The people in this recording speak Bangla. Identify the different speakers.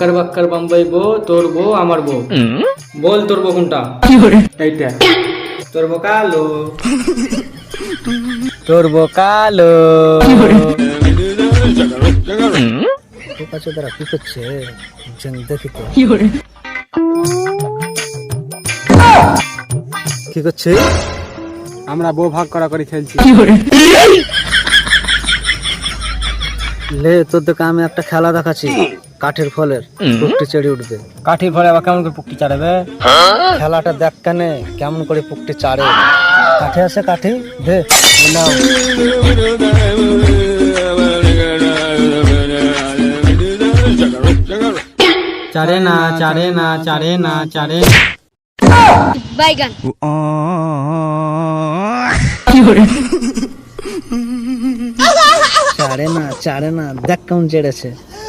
Speaker 1: বাক্কার বাক্কার বাম্বাই বউ, তোর বউ আমার বউ। বল তোর বউ কোনটা? এইটা। তোর বউ কালো, তোর বউ কালো।
Speaker 2: দ্বারা কি করছে দেখি তো কি করছে।
Speaker 1: আমরা বউ ভাগ করা করে খেলছি।
Speaker 2: লে তোর দেখে আমি একটা খেলা দেখাচ্ছি, কাঠের ফলের পুকটি চেড়ে উঠবে।
Speaker 1: কাঠি ফলে আবার কেমন করে পুকটি চাড়াবে?
Speaker 2: খেলাটা দেখ কানে কেমন করে পুকটি চাড়ে। কাঠে আছে কাঠি দে নাও।
Speaker 1: চারে না চারে না চারে না চারে।
Speaker 3: বাইগান
Speaker 2: চাড়ে না দেখ কেমন চেড়েছে।